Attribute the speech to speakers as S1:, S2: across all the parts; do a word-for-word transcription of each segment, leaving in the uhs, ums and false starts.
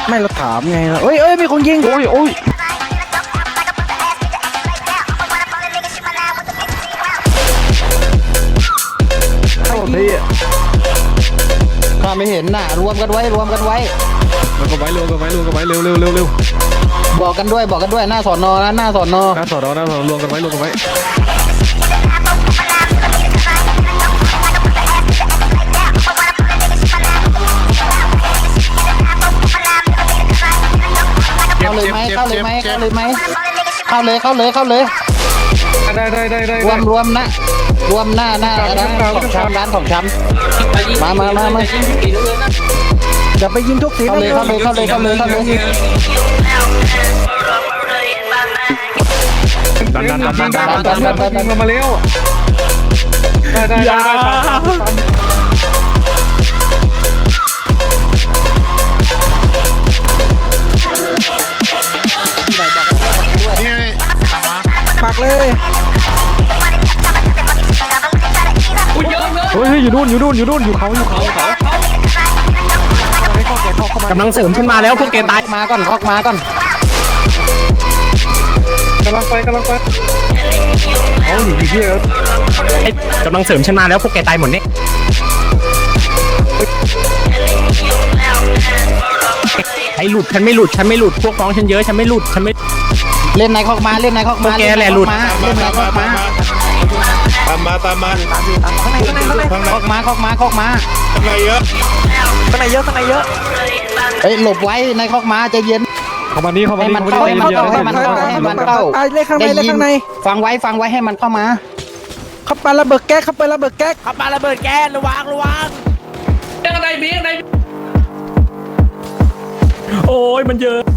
S1: ไม่เราถามไงล่ะเอ้ยเอ้ยมีคนยิงโอ้ยโอ้ย
S2: ข้าไม่เห็นน่ะรวมกันไว้รวมกันไว้
S3: รวมกันไว้รวมกันไว้รวมกันไว้เร็วเร็วเร็วเร็ว
S2: บอกกันด้วยบอกกันด้วยหน้าสอนอนะหน้าสอนอ
S3: หน้าสอนอหน้าสอนอรวมกันไว้รวมกันไว้
S2: เข้าเลยไหมเข้าเลยไหมเข้าเลยไหมเข้าเลยเข้าเลยเข้าเลย
S3: ได้ได้ได้ได้
S2: รวมรวมนะรวมหน้าหน้าร้านของชำร้านของชำมามามามา
S1: จะไปยิงทุกสี
S2: เข้าเลยเข้าเลยเข้าเลยเข้าเลยเข้าเลย
S3: ดันดันดันดันดันดันดันดันมาเร็วได้ได้ได้
S1: ปักเลย
S3: เฮ้ยอยู่นู่นอยู่นู่นอยู่นู่นอยู่เขาอยู่เขาเขา
S4: กำลังเสริมขึ้นมาแล้วพวกแกตาย
S2: มาก่อนคอกมาก่อน
S3: กำลังไปกำลังไปเขาอยู่ที่เอ
S4: กำลังเสริมฉันมาแล้วพวกแกตายหมดเนี่ยไอ้หลุดฉันไม่หลุดฉันไม่หลุดพวกน้องฉันเยอะฉันไม่หลุดฉันไม่
S2: เล่นในคอกมาเล่นในคอกมา
S4: พวกแกแหละหลุด
S2: เล่นในคอกมา
S3: ตามมาตามมา
S1: ข้างในข้างในข้างใน
S2: คอกมาคอกมาคอกมา
S3: ข้างในเยอะ
S1: ข้างในเยอะข้างในเยอะ
S2: เฮ้ยหลบไว้ในคอกมาใจเย็น
S3: เข้ามานี่เข้ามานี่
S2: ให้มันเข้าให้มันเข้าให้มันเข้าให้มันเข้า
S1: เลยข้างในเลยข้างใน
S2: ฟังไว้ฟังไว้ให้มันเข้ามา
S1: เข้าไประเบิดแก๊สเข้าไประเบิดแก๊ส
S5: ขับมาระเบิดแก๊สระวังระวังเรื่องอะไรมีอะไร
S4: โอ้ยมันเยอะ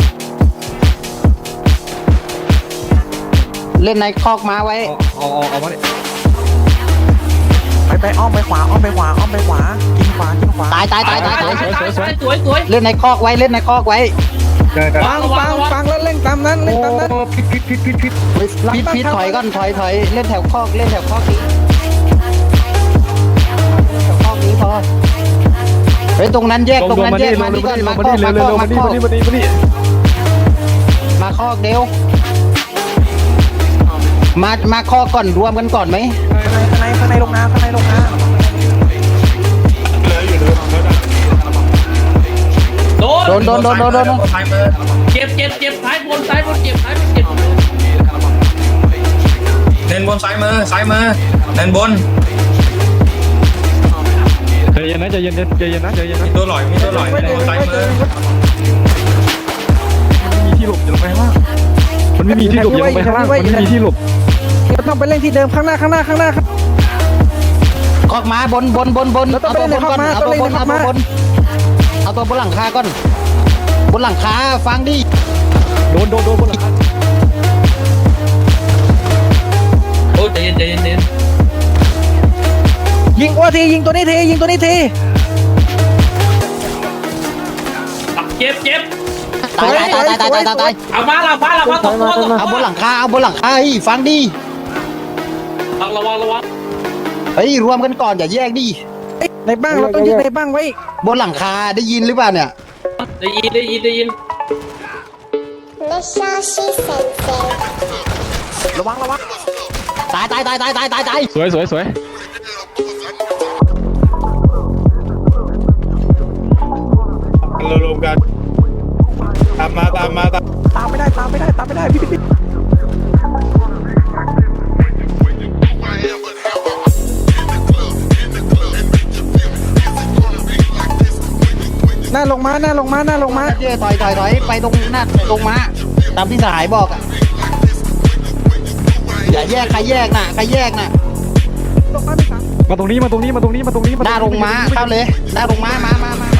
S2: เล่นในคอกมาไว้
S3: เอาเอาเอามาดิ
S1: ไปไปอ้อมไปขวาอ้อมไปขวาอ้อมไปขวากินขวากินขวา
S2: ตายตายตายตายตาย
S5: สวยสวยสวยสวยสวย
S2: เล่นในคอกไว้เล่นในคอกไว้
S1: ฟังฟังฟังแล้วเล่นตามนั้นเล่นตามนั้น
S3: พิษพิษพิษพิษพิษ
S2: พิษพิษถอยก่อนถอยถอยเล่นแถวคอกเล่นแถวคอกนี้แถวคอกนี้พอเฮ้ยตรงนั้นแยกตรงนั้นแยกมานี่ก่อนมาคอกมาคอกมาคอกมาคอกเดียวมามาคอกก่อนรวมกันก่อนไหม
S1: ข้างในข้างในลงน้ำข้างในลงน้ำ
S5: โดน
S2: โดนโดนโดนโดนโดน
S5: เจ็บเจ็บเจ็บซ้ายบนซ้ายบนเจ็บซ้ายบนเจ็บ
S6: เน้นบนซ้ายมือซ้ายมือเน้นบน
S3: ใจเย็นนะใจเย็นใจเย็นนะใจเย็นนะ
S6: มีตัวหลอยมีตัวหลอยเน้นบนซ้ายมือ
S3: มีที่หลบอยู่ลงไปข้างล่างมันไม่มีที่หลบอยู่ลงไปข้างล่างมันไม่มีที่หลบ
S1: เราต้องไปเล่นที่เดิมข้างหน้าข้างหน้าข้างหน้าครับ
S2: คอกมาบนบนบนบนเอาตัวบนก่อนเอาตัวบนเอาตัวบนเอาตัวบนหลังคาก่อนบนหลังคาฟังดิ
S3: โดนโดนโดนบนหลังคา
S5: โอ้ใจเย็นใจเย็นใจเย็น
S1: ยิงอ้วทียิงตัวนี้ทียิงตัวนี้ที
S5: เจ็บเจ็บ
S2: ตายตายตายตายตายตายตาย
S5: เอามาละมาละมาตกตัวตก
S2: เอาบนหลังคาเอาบนหลังคาอีฟังดิ
S5: ระวังระวัง
S2: เฮ้ยรวมกันก่อนอย่าแยกดิ
S1: ในบ้างเราต้องยึดในบ้างไว้
S2: บนหลังคาได้ยินหรือเปล่าเนี่ย
S5: ได้ยินได้ยินได้ยิน
S1: ระวังระวัง
S2: ตายตายตายตายตายตายตาย
S3: สวยสวยสวยรวมกันตามมาตามมาตาม
S1: ตามไม่ได้ตามไม่ได้ตามไม่ได้พี่พี่หน้าลงมาหน้าลงมาหน้าลงมา
S2: เจ๊ถอยถอยถอยไปตรงหน้าลงมาตามที่สหายบอกอ่ะอย่าแยกใครแยกน่ะใครแยกน่ะ
S3: มาตรงนี้มาตรงนี้มาตรงนี้มาตรงนี้
S2: หน้าลงมาเข้าเลยหน้าลงมามามามา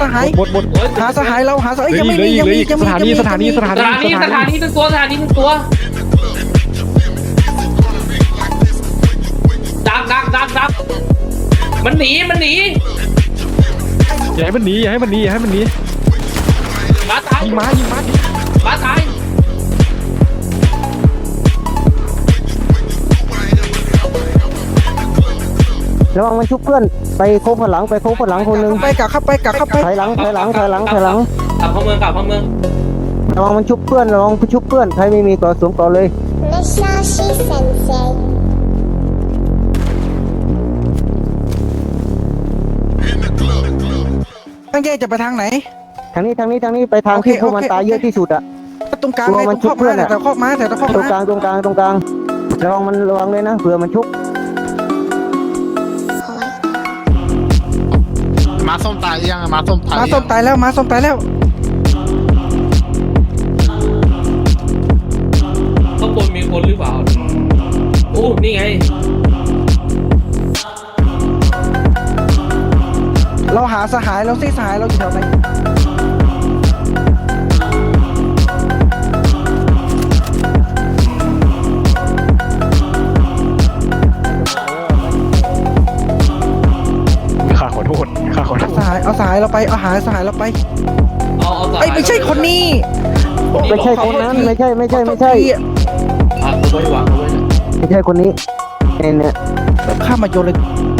S1: หาย
S3: หมดหมด
S1: หาสหายเราหาสหาย
S3: เหลือ
S1: ยัง
S3: อี
S1: ไม่
S3: กเหลื
S1: มี
S3: ออีก
S1: ยัง
S3: เหลื
S1: มี
S3: อ
S1: ยัง
S3: อีก
S1: มี
S3: สถานีสถานีสถา
S5: ส
S3: นี
S5: ถานีสถานีหนึ่งตัวสถานีหนึ่งตัวดักดักดักดักมันหนีมันหนี
S3: อย่าให้มันหนีอย่าให้มันหนีอย่าให้มันหนี
S5: มาตาย
S3: ยิงม้ายิงม้า
S5: มาตาย
S2: ระวังมันชุบเพื่อนไปโค้งข้างหลังไปโค้งข้างหลังคนนึง
S1: ไปกลับเข้าไปกลับเข้าไป
S2: ถอยหลังถอยหลังถอยหลังถอยหลัง
S5: กลับเข้าเมืองกลับเข้าเมือง
S2: ระวังมันชุบเพื่อนระวังมันชุบเพื่อนใครไม่มีก่อสวมก่อเลย
S7: Musashi Sensei.
S1: ตั้งใจจะไปทางไหน
S2: ทางนี้ทางนี้ทางนี้ไปทาง
S1: โอเค
S2: ที่พวกมัน
S1: โอเค
S2: ตายเยอะที่สุดอะ
S1: ตรงกลาง
S2: กลั
S1: เล
S2: วย
S1: ต
S2: มั
S1: ร
S2: น
S1: ง
S2: ชุ
S1: ข้อบ
S2: เพื่
S1: ม้า
S2: อนอะ
S1: แต่ข้อม้าแต่ข้อ
S2: ตรงก
S1: ม้า
S2: ลางตรงกลางตรงกลางระวังมันระวังเลยนะเผื่อมันชุบ
S8: มาส้มตายยังมาส้มตาย
S1: ม้าส้มตายแล้วม้าส้มตายแล้ว
S5: ข้างบนมีคนหรือเปล่าโอ้นี่ไง
S1: เราหาสหายเราซิสหายเราอยู่แถวไหน
S3: ข้าขอโทษข้าขอโทษ
S1: สหายเอาสหายเราไปเอาหาสหายเราไป
S5: เอาเอา
S1: ไอ้ยไม่ใช่คนนี้
S2: ไม่ใช่คนนั้นไม่ใช่ไม่ใช่ไม่ใช่
S5: อ่ะเอาไว้วางเอาไว้
S2: ไม่ใช่คนนี้เนี่ยเนี่ย
S1: ข้ามมาโยนเลย